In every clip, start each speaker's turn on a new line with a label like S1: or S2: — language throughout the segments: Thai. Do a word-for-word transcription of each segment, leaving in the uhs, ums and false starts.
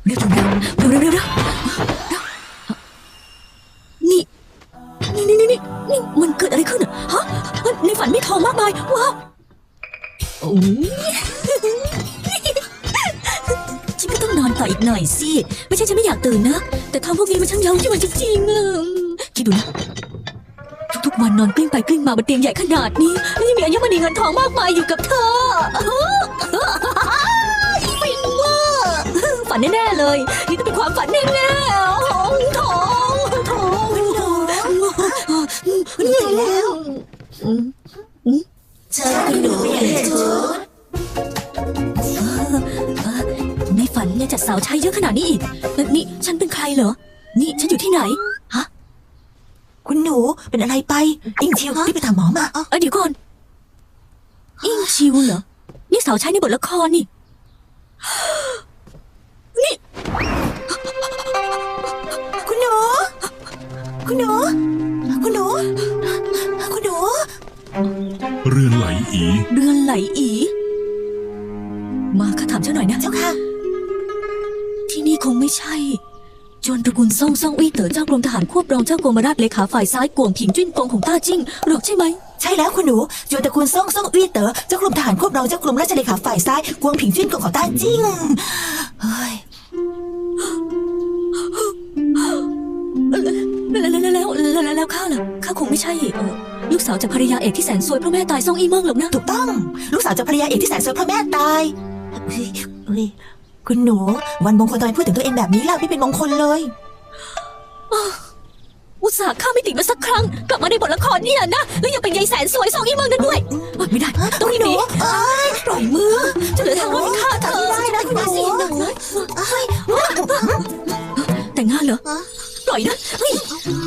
S1: เร็วเร็วเร็วเร็วเร็วเร็วนี่นี่นี่นี่นี่นี่มันเกิดอะไรขึ้นอะฮะในฝันมีทองมากมายว้าวโอ้ยฉันก็ต้องนอนต่ออีกหน่อยสิไม่ใช่ฉันไม่อยากตื่นนะแต่ทองพวกนี้มันช่างเย้ายวนจริงๆอะคิดดูนะทุกๆวันนอนกลิ้งไปกลิ้งมาบนเตียงใหญ่ขนาดนี้แล้วยังมีอัญมณีเงินทองมากมายอยู่กับเธอฟินเวอร์ฝันแน่ๆเลยนี่ต้องเป็นความฝันแน่ๆทองทองทองตื่นแล้วเชิญคุณหนูเปลี่ยนชุดในฝันยังจัดสาวใช้เยอะขนาดนี้อีกนี่ฉันเป็นใครเหรอนี่ฉันอยู่ที่ไหนฮะ
S2: คุณหนูเป็นอะไรไปอิงชิวรีบไปถามหมอมา
S1: เออเดี๋ยวก่อนอิงชิวเหรอนี่สาวใช้ในบทละครนี่นี่
S2: คุณหนูคุณหนูคุณหนูคุณหนู
S3: เรือนไหลอี
S1: เรือนไหลอีมาข้าถามเจ้าหน่อยนะ
S2: เจ้าค่ะ
S1: ที่นี่คงไม่ใช่จวนตระกูลซ่งซ่งอี้เต๋อเจ้ากรมทหารควบรองเจ้ากรมราชเลขาฝ่ายซ้ายกวงผิงจิ้นกงของต้าจิ้งหรอกใช่ไหม
S2: ใช่แล้วคุณหนูจวนตระกูลซ่งซ่งอี้เต๋อเจ้ากรมทหารควบรองเจ้ากรมราชเลขาฝ่ายซ้ายกวงผิงจิ้นกงของต้าจิ้งเฮ้ย
S1: แล้วแล้วแล้วแล้วแล้วข้าล่ะข้าคงไม่ใช่เออลูกสาวจากภรรยาเอกที่แสนสวยเพราะแม่ตายซ่งอี้เมิงหรอกนะ
S2: ถูกต้องลูกสาวจากภรรยาเอกที่แสนสวยเพราะแม่ตายเฮ้ยเฮ้ยคุณหนูวันมงคลทำไมพูดถึงตัวเองแบบนี้ล่ะไม่เป็นมงคลเลย
S1: อุตส่าห์ข้าไม่ติดมาสักครั้งกลับมาในบทละครเนี่ยนะแล้วยังเป็นยายแสนสวยซ่งอี้เมิงนั่นด้วยไม่ได้ต้องรีบหนีปล่อยมือจะเหลือทางรอดให้ข้าเธอ
S2: ไม่ได้นะคุณหนู
S1: แต่งงานเหรอปล่อยนะเฮ้ย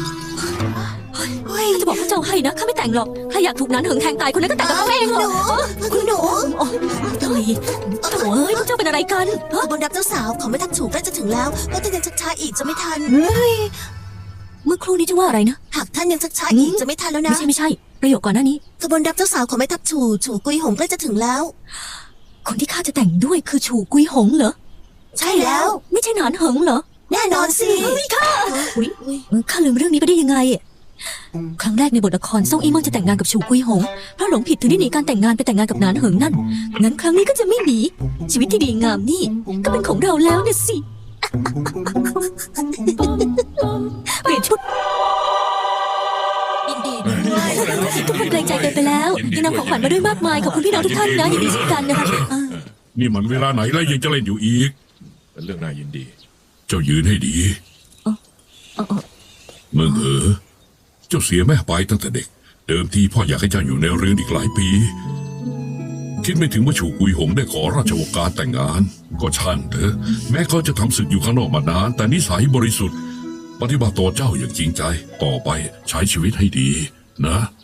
S1: จะบอกพระเจ้าให้นะข้าไม่แต่งหรอกถ้าอยากถูกนั้นหึงแทงตายคนนั้นก็แต่งกับเขาเองเหรอ
S2: คุณหนู
S1: โถ่โถ่เอ้ยพระเจ้าเป็นอะไรกัน
S2: บนรับเจ้าสาวของไม่ทันถูกใกล้จะถึงแล้วแล้วท่านยังชักช้าอีกจะไม่ทัน
S1: เมื่อครู่นี้จะว่าอะไรนะ
S2: หากท่านยังชักช้าอีกจะไม่ทันแล้วนะ
S1: ไม่ใช่ไม่ใช่ประโยคก่อนหน้านี้
S2: ขบวนรับเจ้าสาวของแม่ทัพฉู่ฉู่กุยหงใกล้จะถึงแล้ว
S1: คนที่ข้าจะแต่งด้วยคือฉู่กุยหงเหรอ
S2: ใช่แล้ว
S1: ไม่ใช่หนานเหิงเหรอ
S2: แน่นอนสิ
S1: ข้าอุ้ยข้าลืมเรื่องนี้ไปได้ยังไงครั้งแรกในบทละครซ่งอี้เมิงจะแต่งงานกับฉู่กุยหงเพราะหลงผิดถึงได้หนีการแต่งงานไปแต่งงานกับหนานเหิงนั่นงั้นครั้งนี้ก็จะไม่หนีชีวิตที่ดีงามนี่ก็เป็นของเราแล้วเนี่ยสิเปลี่ยนชุดยินดีด้วยทุกคนเกรงใจกันไปแล้วยังนำของขวัญมาด้วยมากมายขอบคุณพี่น้องทุกท่านนะยินดีเช่นกันนะคะ
S3: นี่มันเวลาไหนแล้วยังจะเล่นอยู่อีก
S4: เป็นเรื่องน่ายินดี
S3: เจ้ายืนให้ดีเมืองเอ๋อเจ้าเสียแม่ไปตั้งแต่เด็กเดิมทีพ่ออยากให้เจ้าอยู่ในเรือนอีกหลายปีคิดไม่ถึงว่าฉู่กุยหงได้ขอราชโองการแต่งงานก็ช่างเถอะแม้เขาจะทำศึกอยู่ข้างนอกมานานแต่นิสัยบริสุทธิ์ปฏิบัติต่อเจ้าอย่างจริงใจต่อไปใช้ชีวิตให้ดีนะ